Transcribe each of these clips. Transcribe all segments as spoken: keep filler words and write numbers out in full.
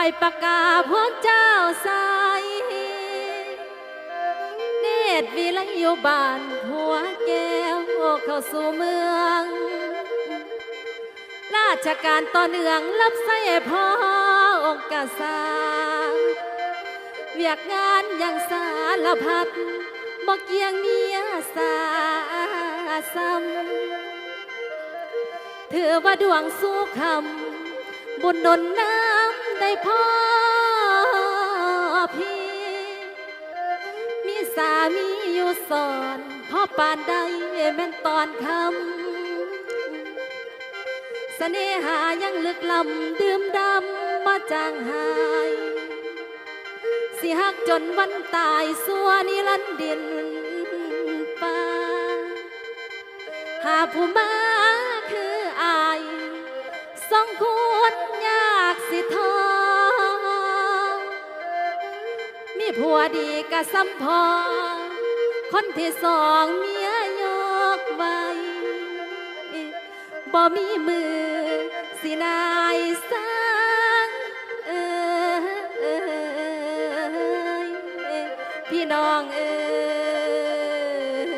ปากกาพวกเจ้าใสเนตรวิไลอยู่บ้านหัวแก้วเข้าสู่เมืองราชการต่อเนื่องรับใส่พ่อองค์กษัตริย์เวียกงานอย่างสารพัดบ่เกี่ยงเมียสาซ้ำถือว่าดวงสู้คำบุญหนุนน้ำได้พ่อพี่มีสามีอยู่สอนพ่อปานใดแม่นตอนคำเสน่หายังลึกล้ำดื่มดำมาจางหายสิหักจนวันตายสัวนิรันดร์ดินป่าหาผู้มาคืออายสองคนยากสิทอมีผัวดีกะซ้ำพอคนที่สองเมียยกไว้บ่มีมือสินายสังเอ้ยพี่น้องเอ้ย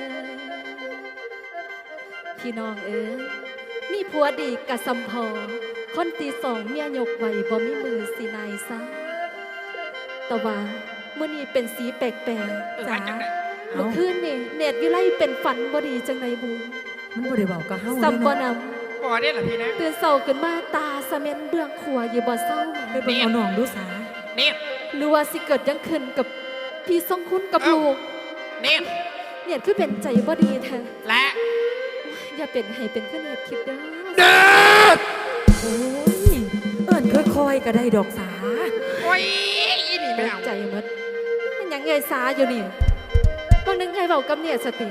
พี่น้องเอ้ยมีผัวดีกะซ้ำพอคนที่สองเมียยกไว้บ่มีมือสินายสังแต่ว่าเมื่อนี้เป็นสีแปลกๆจ้าเมื่อคืนนี่เนตรวิไลเป็นฝันบ่ดีจังไดบูมันบ่ได้เว้ากับเฮาซัมบ่นำบ่ได้ล่ะพี่นะตื่นเช้าขึ้นมาตาสะเม็นเบื้องขัวอยู่บ่เศร้าไปเบิ่งเอาน้องดูสาเน็ตหรือว่าสิเกิดยังขึ้นกับพี่ทรงคุณกับลูกเน็ตเน็ตคือเป็นใจบ่ดีแท้และอย่าเป็นให้เป็นคือเน็ตคิดเด้อเน็ตโอ้ยเอิ้นค่อยๆก็ได้ดอกสาโอ้ยอีนี่ไม่เอาใจหมดมันยังไงสาอยู่นี่บางนึงไงเว้ากับเน็ตสติ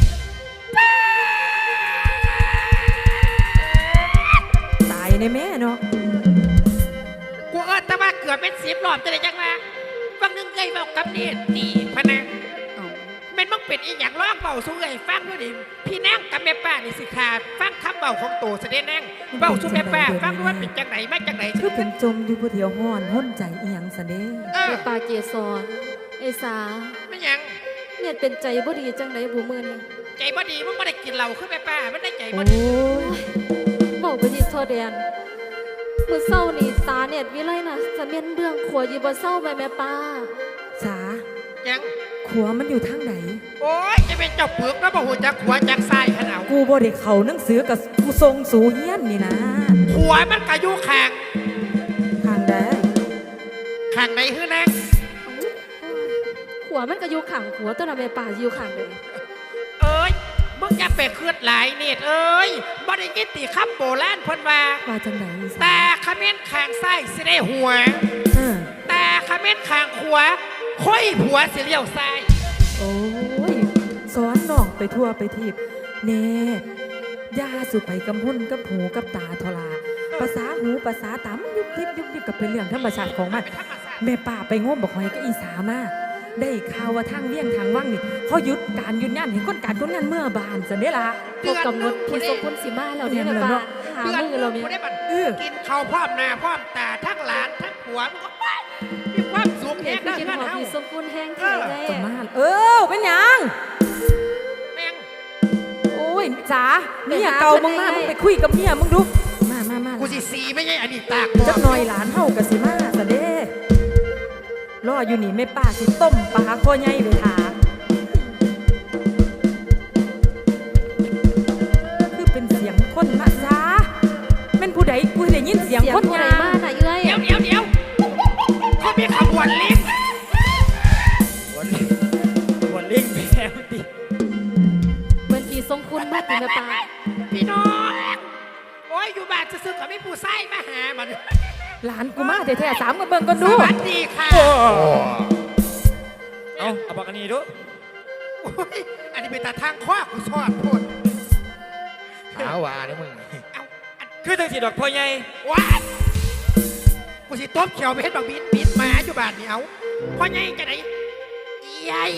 ตายในแม่เนาะกูเอิ้นแต่ว่าเกือบเป็นสิบรอบจะได้จังว่าบางนึงไงเว้ากับเน็ตนี่พะนะแม่นมึงเป็นอีหยังร้องเบาสู้เอ้ยฟังด้วยดิพี่นางกับแม่ป้านี่สิขาดฟังคำเบาของโตเสด็จนางเบาสู้แม่ป้าฟังว่าเป็นจังไหนมาจังไหนคือเป็นจมอยู่ผู้เดียวฮ้อนห้นใจอีหยังซะเด้แม่ป้าเกศรไอ้สาไม่หยังเน็ตเป็นใจบ่ดีจังไดบ่มื้อนี้ใจบ่ดีมึงบ่ได้กินเหล้าคือแม่ป้ามันได้ใจบ่ดีเว้าไปสิโทแดนมื้อเช้านี่ตาเน็ตวิไลน่ะสะเม็นเบื้องขัวอยู่บ่เศร้าแม่แม่ป้าสายังขัวมันอยู่ทางไหนโอ้ยจะเป็นเจ้าเปลือกแล้วบ่ฮู้จักขัวจักทรายขนาดกูบ่ได้เข้าหนังสือกับกูทรงสูเฮียนนี่นะขัวมันก็อยู่ข้างข้างใดข้างไหนฮื้อนางขัวมันก็อยู่ข้างขัวตัวน่ะแม่ป้าอยู่ข้างใดเอ้ยมึงอย่าไปเคลื่อนหลายเน็ตเอ้ยบ่ได้ยินติคำโบราณเพิ่นว่าว่าจังได๋แต่คำเม้นข้างซ้ายสิได้หัวแต่คำเม้นข้างขวาค่อยผัวสิเลี้ยวซ้ายโอ้ยสอนน้องไปทั่วไปทีบเน่ย่าสุไปกำหุ่นกับหูกับตาทลาภาษาหูภาษาตามันยุบยิบยุบยิบกับเป็นเรื่องธรรมชาติของมันแม่ป้าไปง้มบอกหอยก็อีสามาได้ข่าวว่าทางเลี่ยงทางว่างนี่เขาหยุดการหยุดงานเห็นคนการคนงานเมื่อบานสันเด้ล่ะพวกกำหนดที่สมควรสิมาเราเนี่ยแม่ป้าหามือเราเนี่ยกินข้าวพร้อมหน้าพร้อมตาทั้งหลานทั้งผัวมันก็ไปมีความสุขแห้งได้กินหอมที่สมควรแห้งแท้ได้เออเป็นยังแม่งโอ้ยจ๋าเมียเก่ามึงมามึงไปคุยกับเมียมึงดูมามามากูสิสีไม่ใช่อันนี้ตากจักหน่อยหลานเฮากับสิมาสะเด้รออยู่นี่แม่ป้าสิต้มปลาคอใหญ่ไปทาคือเป็นเสียงคนมาซาเป็นผู้ใดกูได้ยินเสียงคนยามาไหนเอ้ยเดี๋ยวเดี๋ยวเดี๋ยวเขามีขบวนลิงวนลิงวนลิงแม่ติเหมือนที่ทรงคุณมาติแม่ป้าพี่น้องโอ้ยอยู่บ้านจะซื้อกับไม่ผู้ไส้มาหามันหลานกูมาแท้ๆสามกันเบิ่งกันดูสวัสดีค่ะเอาเอาบอกกันนี่ดูอันนี้เป็นตาทางข้อกูชอบพูดหาว่าเนี่ยมึงเอาคือตั้งสีดอกพ่อใหญ่ว้ากูสิต้มเขียวไปเห็นดอกบินบินมาอยู่บ้านนี่เอาพ่อใหญ่จะไหนใหญ่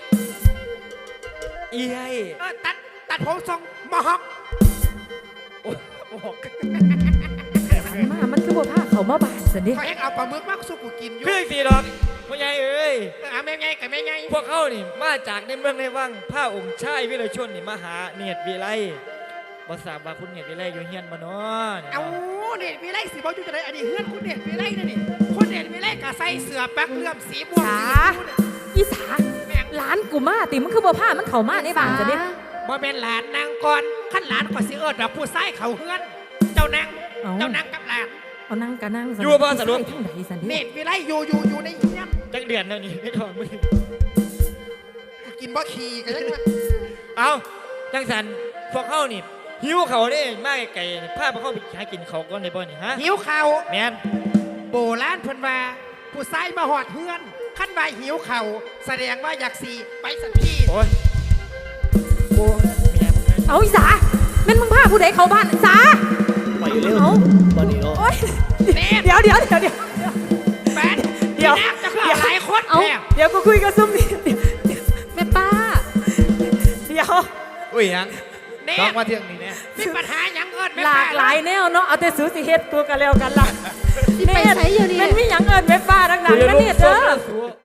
ใหญ่เออตัดตัดผมทรงมอฮอกโอ้โหมามันคือบ่พาเขามาบ้านสันเด้เขาให้เอาปลาหมึกมาสู้กูกินอยู่คือสีดอกพ่อใหญ่เอ้ยเออเอาแม่ไงกับแม่ไงพวกเขานี่มาจากในเมืองในวังผ้าองค์ชายวิรชนนี่มาหาเนียดวิไลบ่ทราบว่าคุณเนียดวิไลอยู่เฮียนบ่เนาะนี่เอาเนาะเด็ดวิไลสีบอลอยู่จะได้อันนี้เฮือนคุณเด็ดวิไลนี่นี่คุณเด็ดวิไลกะใส่เสื้อปักเลื่อมสีม่วงสีชมพูเนี่ยอีสาแม่งหลานกูมาติมันคือบ่พามันเข้ามาในบ้านสันเด้บ่เป็นหลานนางก่อนขั้นหลานก็สิเอิดดอกผู้ชายเขาเฮือน เจ้านางเจ้านางกับหลานเอานั่งก็นั่งอยู่บ่สะดวกทั้งใดสันเนเด้ตรวิไลอยู่อยู่อยู่ในเฮียนจักเดือนแล้วนี่ไม่ถอนมือกูกินบ่ขี่กันยังไงเอาจังสันพวกเขานี่หิวเขาได้มากไก่ๆพาพวกเขาไปหากินเขาก่อนในบ่นี่ฮะหิวเข่าวแมนโบราณเพิ่นว่าผู้ชายมาหอดเฮือนขั้นว่าหิวเข่าวแสดงว่าอยากสีไปสันทีโอ้ยโอ้ยแม่มึงนะเอาอีสาแม่นมึงพาผู้ใดเข้าบ้านอีสาไปเร็วเอาบอลนี่เนาะโอ๊ยเนตรเดี๋ยวเดี๋ยวเดี๋ยวเดี๋ยวแฟนเดี๋ยวพี่นางจะคือหลายคนเอาแท้เดี๋ยวกูคุยกับซุ่มนี่แม่ป้าเดี๋ยวอุ้ยยังเนต้องตรมาเที่ยงนี้เนี่ยมีปัญหาหยังเอิญแม่หลากหลายแนวเนาะเอาแต่สูสิเฮ็ดกูกันแล้วกันล่ะสิไปไสอยู่นี่มันมีหยังเอิญแม่ป้าดังๆนะเนี่ยเด้อ